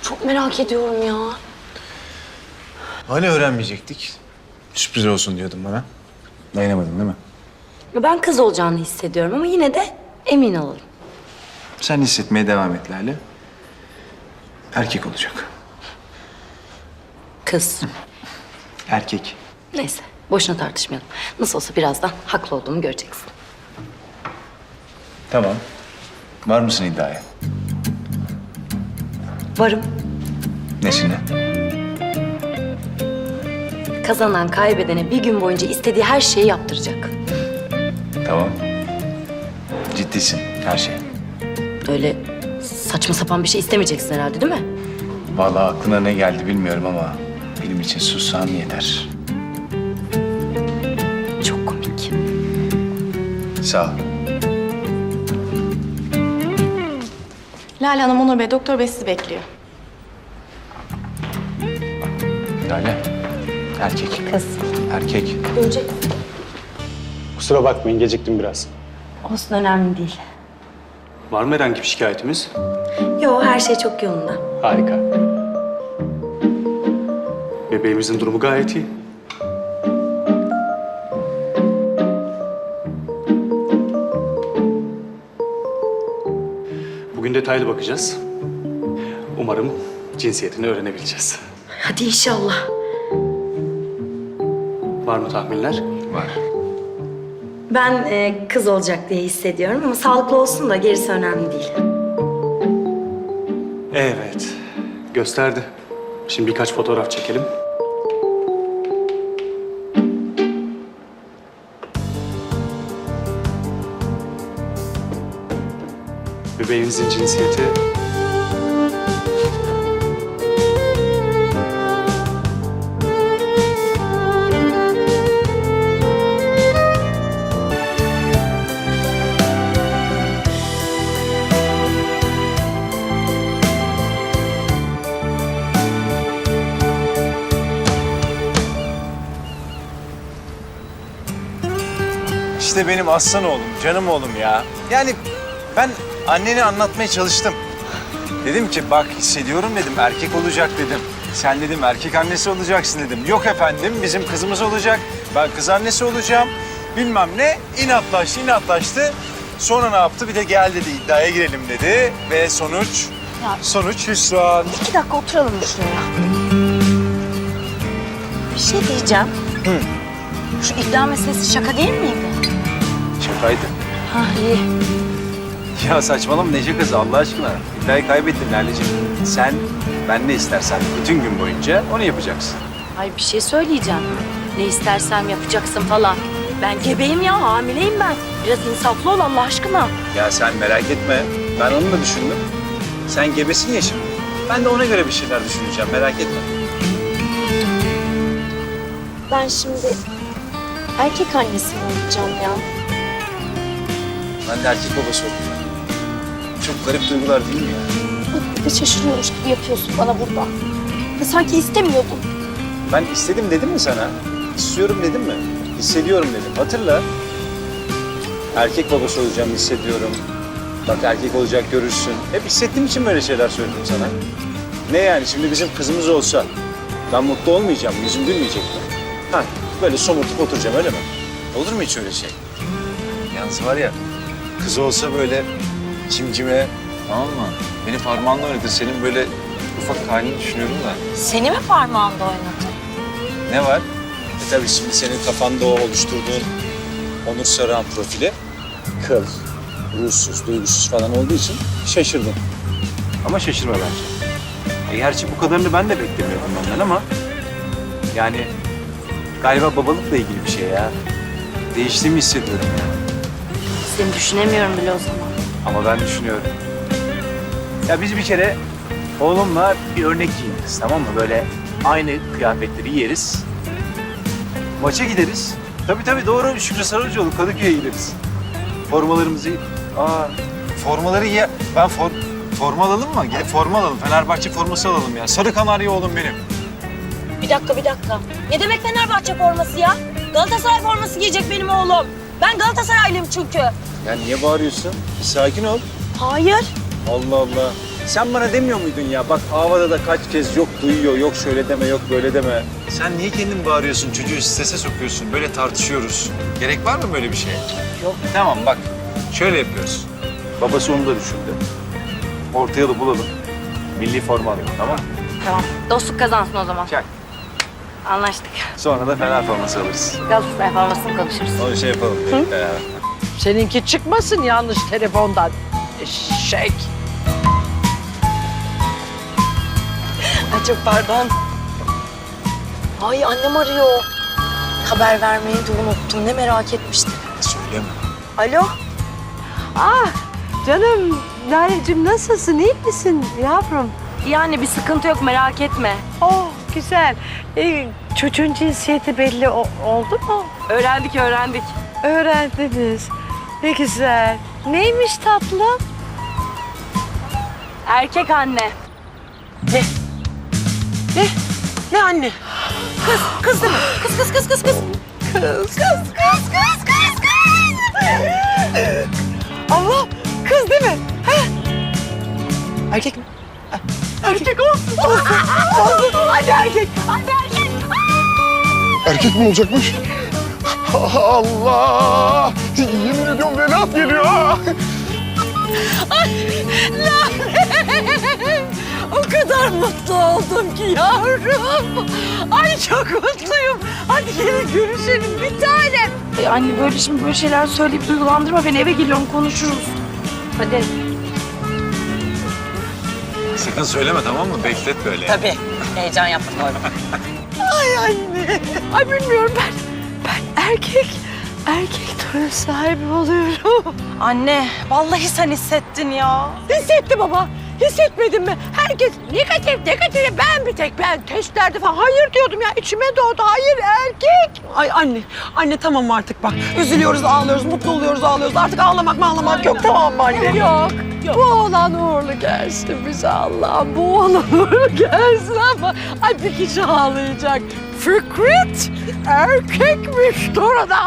Çok merak ediyorum ya. Hani öğrenmeyecektik? Sürpriz olsun diyordun bana. Dayanamadın değil mi? Ben kız olacağını hissediyorum ama yine de emin olalım. Sen hissetmeye devam et Lale. Erkek olacak. Kız. Erkek. Neyse, boşuna tartışmayalım. Nasıl olsa birazdan haklı olduğumu göreceksin. Tamam. Var mısın iddiaya? Varım. Nesine? Kazanan kaybedene bir gün boyunca istediği her şeyi yaptıracak. Tamam. Ciddisin her şey. Öyle saçma sapan bir şey istemeyeceksin herhalde değil mi? Vallahi aklına ne geldi bilmiyorum ama benim için sussan yeter. Çok komik. Sağ ol. Lale Hanım, Onur Bey, Doktor Bey sizi bekliyor. Lale. Erkek. Kız. Erkek. Görecek. Kusura bakmayın, geciktim biraz. Olsun, önemli değil. Var mı herhangi bir şikayetimiz? Yo, her şey çok yolunda. Harika. Bebeğimizin durumu gayet iyi. Bugün detaylı bakacağız. Umarım cinsiyetini öğrenebileceğiz. Hadi inşallah. Var mı tahminler? Var. Ben kız olacak diye hissediyorum ama sağlıklı olsun da gerisi önemli değil. Evet, gösterdi. Şimdi birkaç fotoğraf çekelim. Bebeğimizin cinsiyeti... İşte benim aslan oğlum, canım oğlum ya. Yani ben annene anlatmaya çalıştım. Dedim ki bak hissediyorum dedim, erkek olacak dedim. Sen dedim erkek annesi olacaksın dedim. Yok efendim bizim kızımız olacak, ben kız annesi olacağım. Bilmem ne, inatlaştı. Sonra ne yaptı? Bir de gel dedi, iddiaya girelim dedi. Ve sonuç hüsran. 2 dakika oturalım mı şuraya? Bir şey diyeceğim. Şu iddia meselesi şaka değil miydi? Şakaydı. Ha iyi. Ya saçmalama ne şakası Allah aşkına. İddiayı kaybettin Lale'ciğim. Sen, ben ne istersen bütün gün boyunca onu yapacaksın. Ay bir şey söyleyeceğim. Ne istersem yapacaksın falan. Ben gebeyim ya, hamileyim ben. Biraz insaflı ol Allah aşkına. Ya sen merak etme. Ben onu da düşündüm. Sen gebesin ya şimdi. Ben de ona göre bir şeyler düşüneceğim. Merak etme. Ben şimdi erkek annesi mi olacağım ya? Ben de erkek babası oldum. Çok garip duygular değil mi ya? Bak bir de şaşırıyormuş gibi yapıyorsun bana burada. Ya sanki istemiyordun. Ben istedim dedim mi sana? İstiyorum dedim mi? Hissediyorum dedim. Hatırla. Erkek babası olacağım hissediyorum. Bak erkek olacak görürsün. Hep hissettiğim için böyle şeyler söyledim sana. Ne yani şimdi bizim kızımız olsa ben mutlu olmayacağım, yüzüm gülmeyecek mi? Ha, böyle somurtup oturacağım öyle mi? Olur mu hiç öyle şey? Yalnız var ya, kız olsa böyle cimcime, tamam mı? Beni parmağınla oynatır, senin böyle ufak halini düşünüyorum da. Seni mi parmağında oynatın? Ne var? Tabii şimdi senin kafanda o oluşturduğun Onur Sarıhan profili kıl, ruhsuz, duygusuz falan olduğu için şaşırdım. Ama şaşırma bence. Gerçi bu kadarını ben de beklemiyordum ondan ama yani galiba babalıkla ilgili bir şey ya. Değiştiğimi hissediyorum ya. Seni düşünemiyorum bile o zaman. Ama ben düşünüyorum. Ya biz bir kere oğlumla bir örnek giyiniriz, tamam mı? Böyle aynı kıyafetleri giyeriz. Maça gideriz. Tabii doğru. Şükrü Saracoğlu Kadıköy'e gideriz. Formalarımızı... formaları ya... Ben forma alalım mı? Gel forma alalım. Fenerbahçe forması alalım ya. Sarı kanarya oğlum benim. Bir dakika. Ne demek Fenerbahçe forması ya? Galatasaray forması giyecek benim oğlum. Ben Galatasaraylıyım çünkü. Ya niye bağırıyorsun? Bir sakin ol. Hayır. Allah Allah. Sen bana demiyor muydun ya? Bak havada da kaç kez yok duyuyor, yok şöyle deme, yok böyle deme. Sen niye kendin bağırıyorsun, çocuğu strese sokuyorsun? Böyle tartışıyoruz. Gerek var mı böyle bir şeye? Yok. Tamam bak, şöyle yapıyoruz. Babası onu da düşündü. Orta yolu bulalım. Milli forma alalım, tamam mı? Tamam. Dostluk kazansın o zaman. Çak. Anlaştık. Sonra da Fener forması alırız. Galatasaray formasını konuşuruz. Onu şey yapalım. Beraber. Seninki çıkmasın yanlış telefondan. Eşek. Ay çok pardon. Ay annem arıyor. Haber vermeyi de unuttum. Ne merak etmiştim. Söyleme. Alo? Ah canım Lale'cim nasılsın? İyi misin yavrum? Yani bir sıkıntı yok, merak etme. Oh güzel. Çocuğun cinsiyeti belli oldu mu? Öğrendik. Öğrendiniz. Ne güzel. Neymiş tatlım? Erkek anne. Ne anne? Kız değil mi? Kız. Allah kız değil mi? Erkek mi? Erkek olsun. Olsun. Hadi erkek. Erkek mi olacakmış? Allah! Yemin ediyorum Vedat geliyor. O kadar mutlu oldum ki yavrum. Ay çok mutluyum. Hadi gelin görüşelim bir tanem. Anne böyle şimdi böyle şeyler söyleyip duygulandırma beni. Eve geliyorum, konuşuruz. Hadi. Sakın söyleme, tamam mı? Beklet böyle. Tabii. Heyecan yaptım orada. Ay anne. Ay bilmiyorum ben erkek torun sahibi oluyorum. Anne, vallahi sen hissettin ya. Hissetti baba. Hissetmedin mi? Herkes negatif. Ben testlerde falan hayır diyordum ya. İçime doğdu. Hayır erkek. Ay anne tamam artık bak. Üzülüyoruz, ağlıyoruz, mutlu oluyoruz, ağlıyoruz. Artık ağlamak yok tamam mı anne? Yok. Bu oğlan uğurlu gelsin bize Allah'ım. Bu oğlan uğurlu gelsin ama ay bir kişi ağlayacak. Fikret erkekmiş Dorada.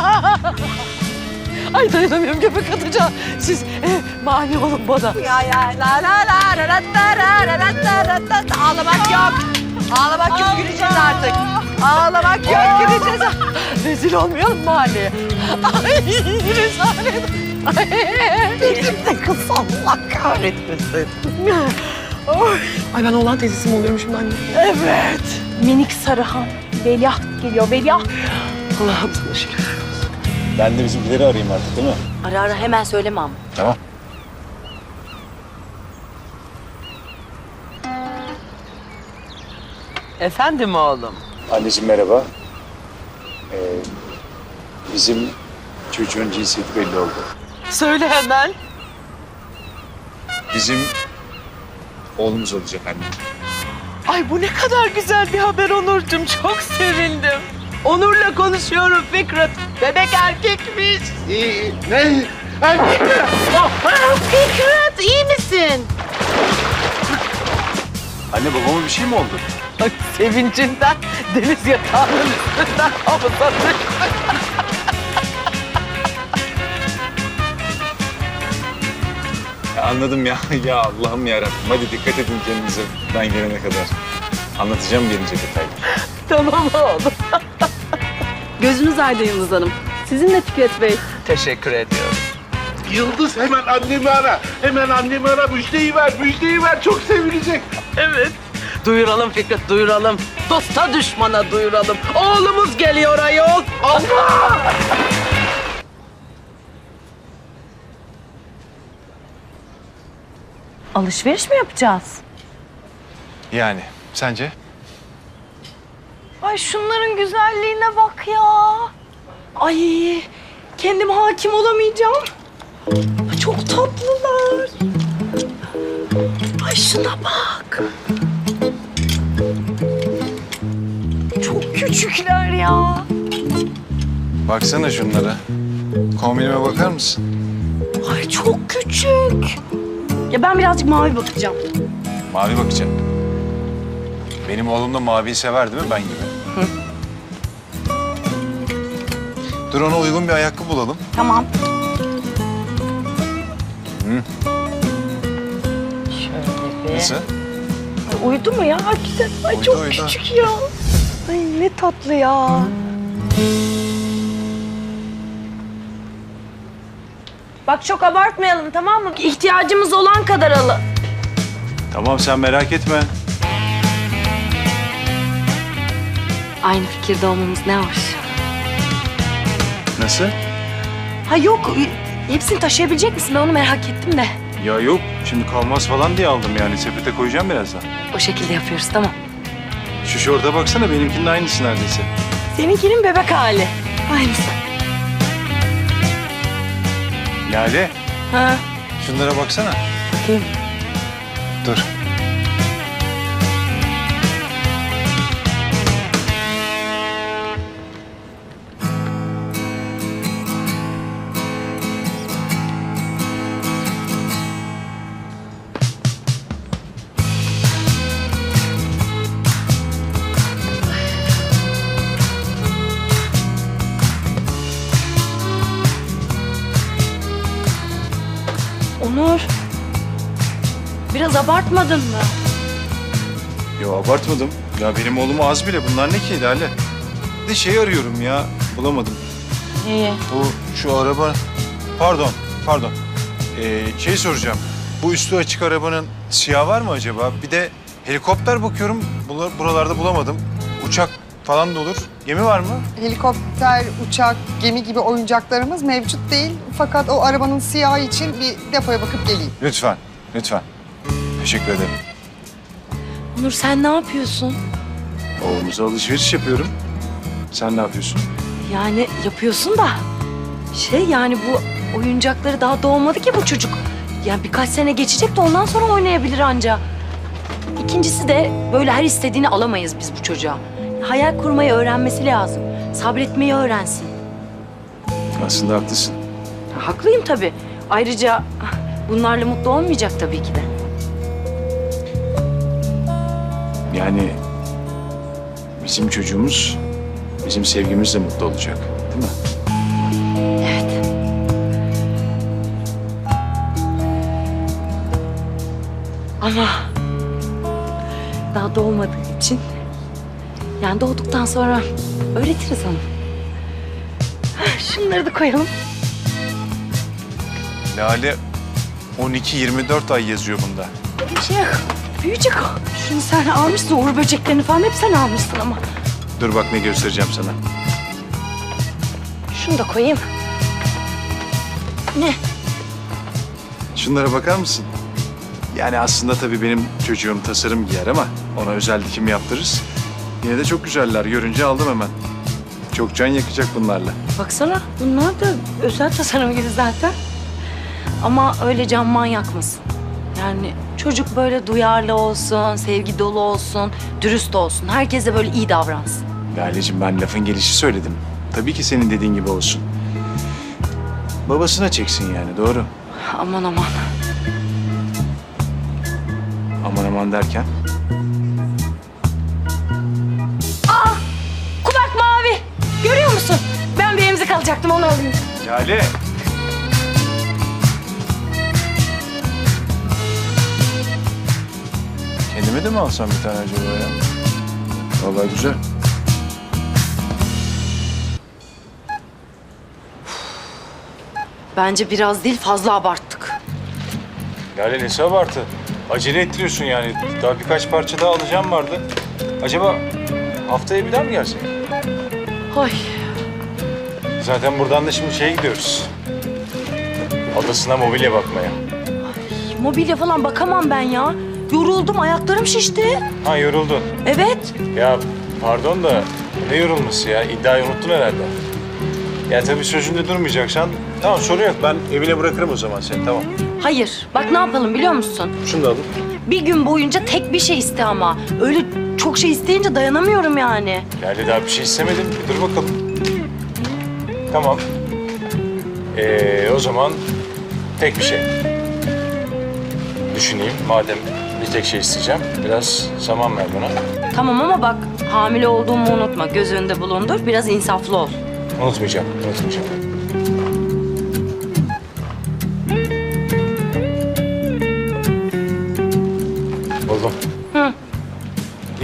Ay dayanamıyorum göbek atacağım. Siz mani olun bana. Ya la la la la la la la la la la. Ağlamak yok. Ağlamak yok güleceğiz artık. Ağlamak yok güleceğiz. Rezil olmayalım mahalleye. Ay rezalet. Ne kız Allah kahretmesin. Ay ben oğlan teyzesi mi oluyorum şimdi anne? Evet. Minik Sarıhan. Veliaht geliyor, Veliaht. Allah'ım sana şükür. Ben de bizimkileri arayayım artık, değil mi? Ara hemen söyleme ama. Tamam. Efendim oğlum. Anneciğim merhaba. Bizim çocuğun cinsiyeti belli oldu. Söyle hemen. Bizim oğlumuz olacak anne. Ay bu ne kadar güzel bir haber Onurcuğum. Çok sevindim. Onur'la konuşuyorum Fikret. Bebek erkekmiş. Ne? Erkek mi? Fikret iyi misin? Anne babama bir şey mi oldu? Ay sevincinden deniz yatağının üstünden havuza düştü. Anladım ya. Ya Allah'ım yarabbim. Hadi dikkat edin kendinize ben gelene kadar. Anlatacağım gelince detaylı. Tamam oğlum. Gözünüz aydın Yıldız Hanım. Sizinle Fikret Bey. Teşekkür ediyorum. Yıldız hemen annemi ara. Hemen annemi ara. Müjdeyi ver. Çok sevinecek. Evet. Duyuralım Fikret, duyuralım. Dosta düşmana duyuralım. Oğlumuz geliyor ayol. Allah! Alışveriş mi yapacağız? Yani sence? Ay şunların güzelliğine bak ya. Ay kendim hakim olamayacağım. Ay, çok tatlılar. Ay şuna bak. Çok küçükler ya. Baksana şunlara. Kombinime bakar mısın? Ay çok küçük. Ya ben birazcık mavi bakacağım. Mavi bakacağım. Benim oğlum da maviyi sever değil mi ben gibi? Dur ona uygun bir ayakkabı bulalım. Tamam. Hı. Şöyle. be. Nasıl? Ay, uyudu mu ya hakikaten? Ay Uyudu, çok uyudu. küçük ya. Ay ne tatlı ya. Bak çok abartmayalım tamam mı? İhtiyacımız olan kadar alın. Tamam sen merak etme. Aynı fikirde olmamız ne hoş. Nasıl? Ha yok, hepsini taşıyabilecek misin? Ben onu merak ettim de. Ya yok şimdi kalmaz falan diye aldım yani sepete koyacağım birazdan. O şekilde yapıyoruz, tamam. Şu şorta baksana benimkinin aynısı neredeyse. Seninkinin bebek hali. Aynısı. Lale Ha, şunlara baksana. bakayım. Dur. Onur. Biraz abartmadın mı? Yo abartmadım. Ya benim oğlum az bile. Bunlar ne ki Lale? Bir de şey arıyorum ya. Bulamadım. İyi. Bu şu araba... Pardon. Şey soracağım. Bu üstü açık arabanın siyah var mı acaba? Bir de helikopter bakıyorum. Buralarda bulamadım. Uçak falan da olur. Gemi var mı? Helikopter, uçak, gemi gibi oyuncaklarımız mevcut değil. Fakat o arabanın siyahı için bir depoya bakıp geleyim. Lütfen. Teşekkür ederim. Onur sen ne yapıyorsun? Oğlumuza alışveriş yapıyorum. Sen ne yapıyorsun? Yani yapıyorsun da yani bu oyuncakları daha doğmadı ki bu çocuk. Yani birkaç sene geçecek de ondan sonra oynayabilir anca. İkincisi de böyle her istediğini alamayız biz bu çocuğa. Hayal kurmayı öğrenmesi lazım. Sabretmeyi öğrensin. Aslında haklısın. Haklıyım tabii. Ayrıca bunlarla mutlu olmayacak tabii ki de. Yani bizim çocuğumuz bizim sevgimizle mutlu olacak. Değil mi? Evet. Ama daha doğmadığı için yani doğduktan sonra öğretiriz onu. Şunları da koyalım. Lale 12-24 ay yazıyor bunda. Bir şey yok. Büyüyecek o. Şunu sen almışsın. Uğur böceklerini falan hep sen almışsın ama. Dur bak ne göstereceğim sana. Şunu da koyayım. Ne? Şunlara bakar mısın? Yani aslında tabii benim çocuğum tasarım giyer ama ona özel dikim yaptırırız. Yine de çok güzeller. Görünce aldım hemen. Çok can yakacak bunlarla. Baksana bunlar da özel tasarım gibi zaten. Ama öyle can manyakmasın. Yani çocuk böyle duyarlı olsun, sevgi dolu olsun, dürüst olsun. Herkese böyle iyi davransın. Lale'cim ben lafın gelişi söyledim. Tabii ki senin dediğin gibi olsun. Babasına çeksin yani doğru. Aman aman. Aman derken. Kulak mavi. Görüyor musun? Ben bir emzik alacaktım onu alayım. Lale. Kendime de mi alsam bir tane acaba ya? Vallahi güzel. Bence biraz değil fazla abarttık. Lale nesi abartı? Acele ettiriyorsun yani. Daha birkaç parça daha alacağım vardı. Acaba haftaya bir daha mı gelsek? Ay. Zaten buradan da şimdi şeye gidiyoruz. Adasına mobilya bakmaya. Mobilya falan bakamam ben ya. Yoruldum ayaklarım şişti. Ha yoruldun. Evet. Ya pardon da ne yorulması ya? İddiayı unuttun herhalde. Ya tabii sözünde durmayacaksan tamam sorun yok. Ben evine bırakırım o zaman seni tamam. Hayır. Bak ne yapalım biliyor musun? Şunu da alın. Bir gün boyunca tek bir şey iste ama. Öyle çok şey isteyince dayanamıyorum yani. Lale daha bir şey istemedim. Bir dur bakalım. Tamam. O zaman tek bir şey. Düşüneyim. Madem bir tek şey isteyeceğim. Biraz zaman ver bana. Tamam ama bak hamile olduğumu unutma. Göz önünde bulundur. Biraz insaflı ol. Unutmayacağım.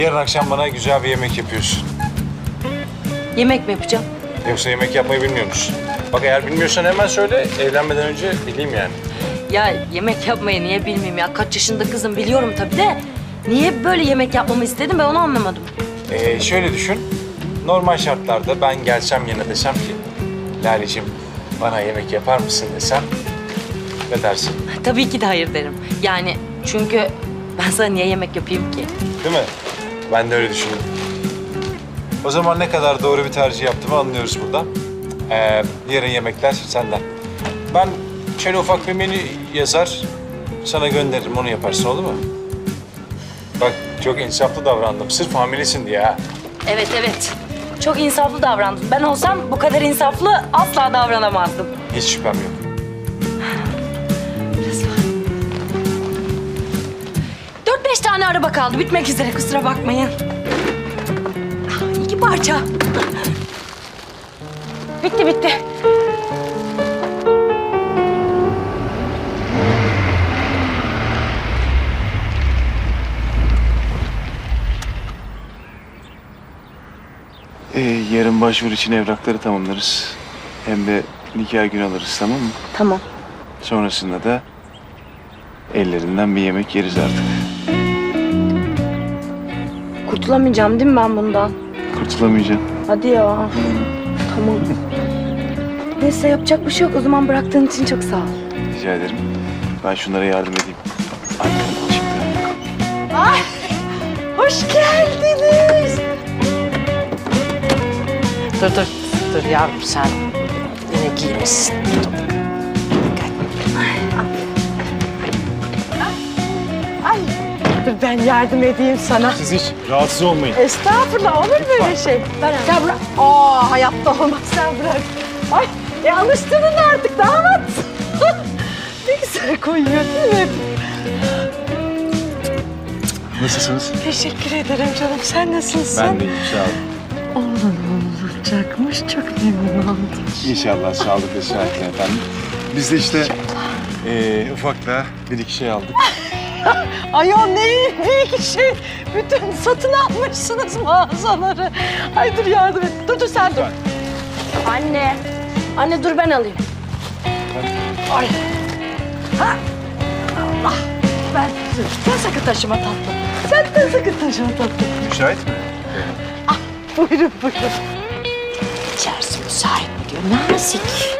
Yarın akşam bana güzel bir yemek yapıyorsun. Yemek mi yapacağım? Yoksa yemek yapmayı bilmiyor musun? Bak eğer bilmiyorsan hemen söyle, evlenmeden önce bileyim yani. Ya yemek yapmayı niye bilmeyeyim ya? Kaç yaşında kızım biliyorum tabii de. Niye böyle yemek yapmamı istedin ben onu anlamadım. Şöyle düşün, normal şartlarda ben gelsem yine desem ki... Lale'cim bana yemek yapar mısın desem, ne dersin? Tabii ki de hayır derim. Yani çünkü ben sana niye yemek yapayım ki? Değil mi? Ben de öyle düşündüm. O zaman ne kadar doğru bir tercih yaptığımı anlıyoruz burada. Yarın yemekler senden. Ben şöyle ufak bir menü yazar, sana gönderirim, onu yaparsın, olur mu? Bak çok insaflı davrandım, sırf hamilesin diye ha. Evet evet. Çok insaflı davrandım. Ben olsam bu kadar insaflı asla davranamazdım. Hiç şüphem yok. 4-5 tane araba kaldı. Bitmek üzere kusura bakmayın. 2 parça. Bitti. Yarın başvuru için evrakları tamamlarız. Hem de nikah günü alırız, tamam mı? Tamam. Sonrasında da ellerinden bir yemek yeriz artık. Kurtulamayacağım değil mi ben bundan? Kurtulamayacaksın. Hadi ya. Tamam. Neyse yapacak bir şey yok. O zaman bıraktığın için çok sağ ol. Rica ederim. Ben şunlara yardım edeyim. Annem çıktı. Hoş geldiniz. Dur yavrum sen yine giymişsin. Ay, dur ben yardım edeyim sana. Siz hiç rahatsız olmayın. Estağfurullah, olur böyle şey. Sen bırak. Hayatta olmaz, sen bırak. Ay, alıştırdın artık damat. Ne güzel koyuyor değil mi? Nasılsınız? Teşekkür ederim canım. Sen nasılsın? Ben de iyiyim, sağ olun. Oğlum olacakmış. Çok memnun oldum. İnşallah sağlık ve sıhhatle efendim. Biz de işte ufak da bir iki şey aldık. Ayol ne büyük şey. Bütün satın almışsınız mağazaları. Ay dur yardım et. Dur sen dur. Anne. Anne dur ben alayım. Ay. Ha. Allah. Sen sakın taşıma tatlım. Sen de sakın taşıma tatlım. Müsait mi? Buyurun. İçerisi müsait mi diyor. Nazik.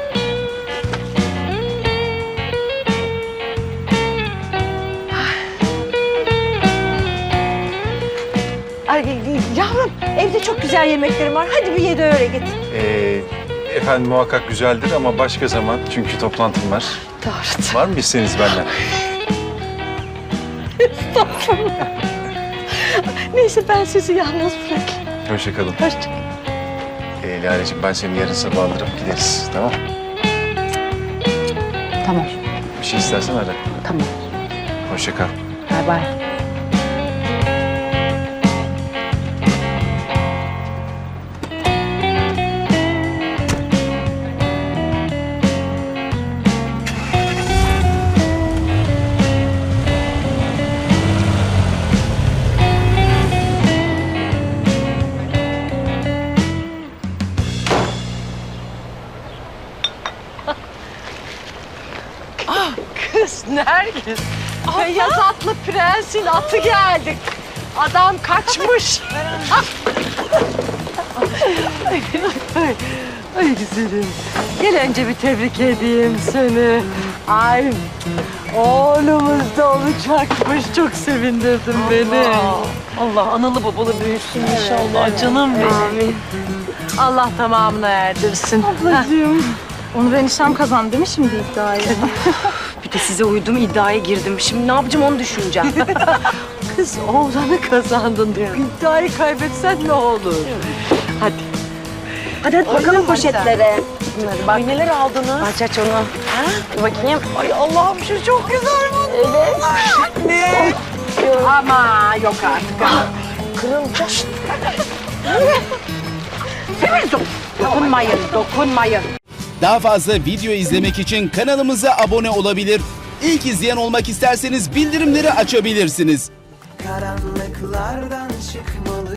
Ay, yavrum evde çok güzel yemeklerim var. Hadi bir ye de öyle git. Efendim muhakkak güzeldir ama başka zaman, çünkü toplantım var. Doğru. Var mı isteğiniz benden? Neyse ben sizi yalnız bırakayım. Hoşça kalın. Hoşça Lale'cim ben seni yarın sabah alırım, gideriz, tamam? Tamam. Bir şey istersen ara. Tamam. Hoşça kal. Bay bay. Kız Nergis. Beyaz atlı prensin atı geldi. Adam kaçmış. Ay güzelim. Gel önce bir tebrik edeyim seni. Ay oğlumuz da olacakmış. Çok sevindirdin beni. Allah analı babalı büyüsün inşallah canım benim. Allah tamamına erdirsin. Ablacığım. Onur eniştem kazandı değil mi şimdi iddiayı? Bir de size uydum iddiaya girdim. Şimdi ne yapacağım onu düşüneceğim. Kız oğlanı kazandın diyor. İddiayı kaybetsen ne olur? Hadi. Hadi bakalım poşetlere. Bak neler aldınız? Aç onu. Dur bakayım. Ay Allah'ım şu çok güzel bu. Evet. Ne? Ama yok artık. Kırılacak. Dokunmayın. Daha fazla video izlemek için kanalımıza abone olabilir. İlk izleyen olmak isterseniz bildirimleri açabilirsiniz. karanlıklardan çıkmalı